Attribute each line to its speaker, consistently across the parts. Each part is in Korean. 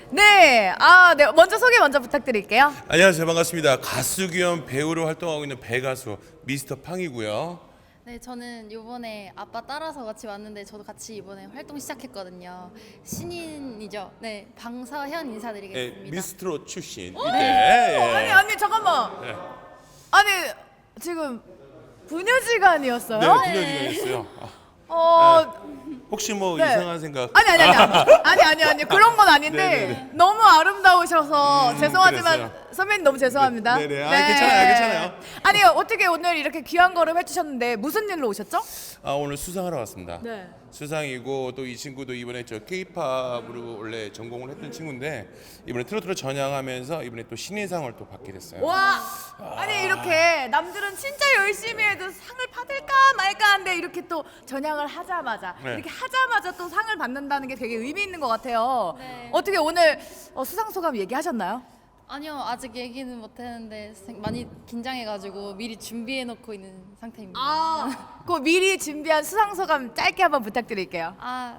Speaker 1: 네, 네. 먼저 소개 먼저 부탁드릴게요.
Speaker 2: 안녕하세요. 반갑습니다. 가수 겸 배우로 활동하고 있는 배가수 미스터 팡이고요.
Speaker 3: 네, 저는 이번에 아빠 따라서 같이 왔는데 저도 같이 이번에 활동 시작했거든요. 신인이죠. 네, 방서현
Speaker 2: 네,
Speaker 3: 인사드리겠습니다.
Speaker 2: 미스트롯 출신.
Speaker 1: 네.
Speaker 2: 예.
Speaker 1: 아니 잠깐만.
Speaker 2: 네.
Speaker 1: 아니 지금 부녀지간이었어요?
Speaker 2: 네, 분열이가
Speaker 1: 어,
Speaker 2: 혹시 뭐
Speaker 1: 네.
Speaker 2: 이상한 생각?
Speaker 1: 아니 그런 건 아닌데
Speaker 2: 네네네.
Speaker 1: 너무 아름다우셔서 죄송하지만
Speaker 2: 그랬어요.
Speaker 1: 선배님 너무 죄송합니다.
Speaker 2: 네네. 괜찮아요.
Speaker 1: 아니 어떻게 오늘 이렇게 귀한 걸음 해주셨는데 무슨 일로 오셨죠?
Speaker 2: 오늘 수상하러 왔습니다.
Speaker 1: 네.
Speaker 2: 수상이고 또 이 친구도 이번에 저 K-팝으로 원래 전공을 했던 친구인데 이번에 트로트로 전향하면서 이번에 또 신인상을 또 받게 됐어요.
Speaker 1: 와, 아니 이렇게 남들은 진짜 열심히 해도 상을 받을까 말까 한데 이렇게 또 전향을 하자마자
Speaker 2: 네.
Speaker 1: 이렇게 하자마자 또 상을 받는다는 게 되게 의미 있는 것 같아요.
Speaker 3: 네.
Speaker 1: 어떻게 오늘 수상 소감 얘기하셨나요?
Speaker 3: 아니요, 아직 얘기는 못했는데 많이 긴장해가지고 미리 준비해놓고 있는 상태입니다.
Speaker 1: 그 미리 준비한 수상 소감 짧게 한번 부탁드릴게요.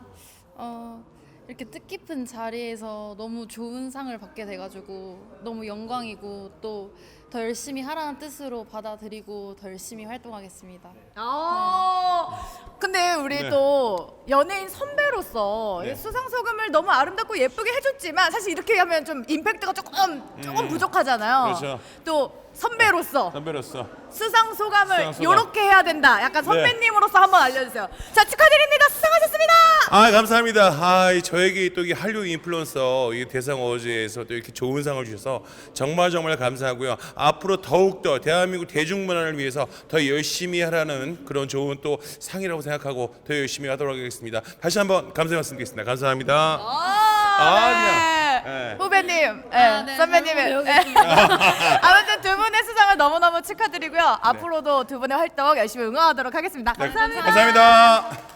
Speaker 3: 이렇게 뜻깊은 자리에서 너무 좋은 상을 받게 돼가지고 너무 영광이고 또 더 열심히 하라는 뜻으로 받아들이고 더 열심히 활동하겠습니다.
Speaker 1: 근데 우리
Speaker 2: 네.
Speaker 1: 또 연예인 선배로서
Speaker 2: 네.
Speaker 1: 이 수상 소감을 너무 아름답고 예쁘게 해줬지만 사실 이렇게 하면 좀 임팩트가 조금 부족하잖아요.
Speaker 2: 그렇죠.
Speaker 1: 또 선배로서
Speaker 2: 선배로서
Speaker 1: 수상 소감을
Speaker 2: 수상 소감.
Speaker 1: 요렇게 해야 된다. 약간 선배님으로서 한번 알려주세요. 자, 축하드립니다. 수상하셨습니다.
Speaker 2: 감사합니다. 저에게 또 이 한류 인플루언서 이 대상 어워즈에서 또 이렇게 좋은 상을 주셔서 정말 감사하고요. 앞으로 더욱더 대한민국 대중문화를 위해서 더 열심히 하라는 그런 좋은 또 상이라고 생각하고 더 열심히 하도록 하겠습니다. 다시 한번 감사 말씀드리겠습니다. 감사합니다.
Speaker 1: 네.
Speaker 2: 네.
Speaker 1: 후배님,
Speaker 3: 네,
Speaker 1: 선배님의
Speaker 3: 잘 배우겠습니다.
Speaker 1: 아무튼 두 분의 수상을 너무너무 축하드리고요. 앞으로도 두 분의 활동 열심히 응원하도록 하겠습니다. 감사합니다.
Speaker 2: 감사합니다.